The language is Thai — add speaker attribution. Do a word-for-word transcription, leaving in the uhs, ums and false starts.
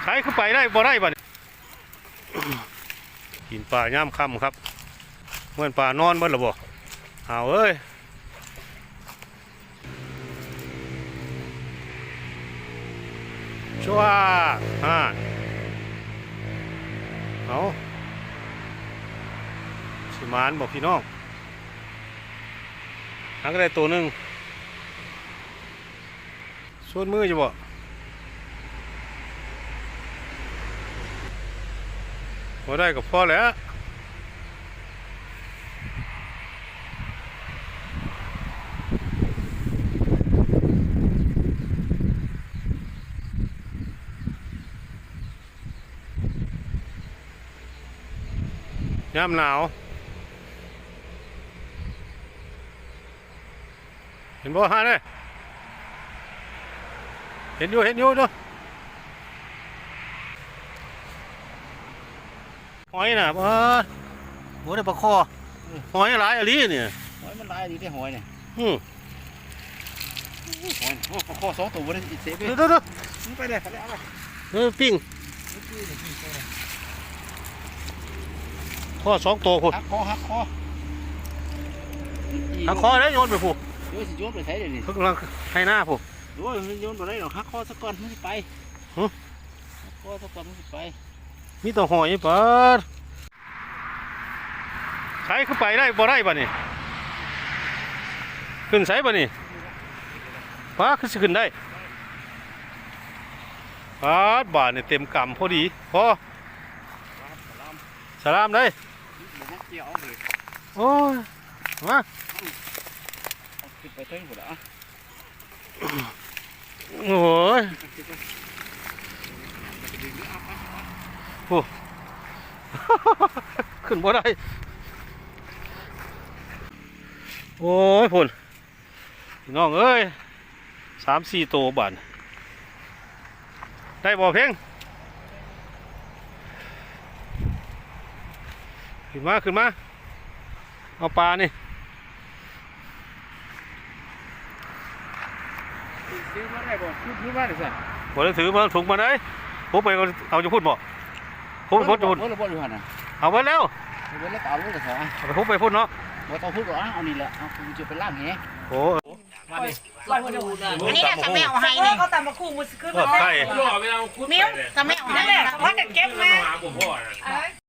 Speaker 1: ขายขึ้นไปได้บ่ได้บ่กินปลาย่ำค่ำครับเมื่อปลานอนเมื่อหรือบ่เอาเอ้ยชัวฮ่าเอาสิมานบอกพี่น้องหาก็ได้ตัวหนึ่งส่วนมือจะบ่พอได้ก็พอแล้วย่ำหนาวเห็นบ่ฮะเนี่ยเห็นอยู่เห็นอยู่ด้วยหอยน่ะบ่โหได้ปลาคอหอยหลายอะไรเนี่ย
Speaker 2: หอยมันลายดีได้หอยเนี่ย
Speaker 1: อืม
Speaker 2: หอยโอ้ข้อสองตัวเลยเสียไป
Speaker 1: เด้อเด้อ
Speaker 2: ไปเลยไปเลยเอาไป
Speaker 1: เออปิ้งข้อสองตัวคุณ
Speaker 2: หักคอหักคอ
Speaker 1: หักคอได้โยนไปผูก
Speaker 2: โยนสิโยนไปใช้เดี๋ยวนี้
Speaker 1: กำลังให้หน้าผูก
Speaker 2: โอ้ยโยนไปได้หรอหักคอสักก่อนมันไปหักคอสักก่อนมันไป
Speaker 1: มีตัวหอยเปิดใช้ขึ้นไปได้บ่ได้บ่นี่ขึ้นใส่บ่นี่ป้าขึ้นขึ้นได้ป้าบาทเนี่ยเต็มกำพอดีพอสลามได้โอ้ยมา
Speaker 2: ขึ้นไปเท่งหมดแล้ว
Speaker 1: โอ้ยโอ้ขึ้นบ่ได้โอ้ยพุ่นพี่น้องเอ้ยสามสี่ตัวบาทได้บ่เพ่งขึ้นมาขึ้นมาเอาปลานี่
Speaker 2: ซื้อมาได้บ่ซื้อมาได้สิ
Speaker 1: บ่ได้ถือมาถุงมาได้ผมไปเอาจะพูดบ่ผมไปพูดจะพูดเอาไว้แล้ว
Speaker 2: เอาไว้แล้วเอาไว้แต่สอง
Speaker 1: เอาไปพูดไปพูดเนาะ
Speaker 2: บ่ต้องพูดหรอกเอานี่แหละเอาคุณจะไปล่างแห
Speaker 1: โอ้
Speaker 2: มาดิ
Speaker 3: อันนี้แหละสมัยเอาให้เนี่ย
Speaker 4: เขาตำมาคู่มือขึ้นมา
Speaker 1: ใช่
Speaker 3: มิ้วสมัยเอาให้เนี่ย
Speaker 4: ว่าจะเก็บมา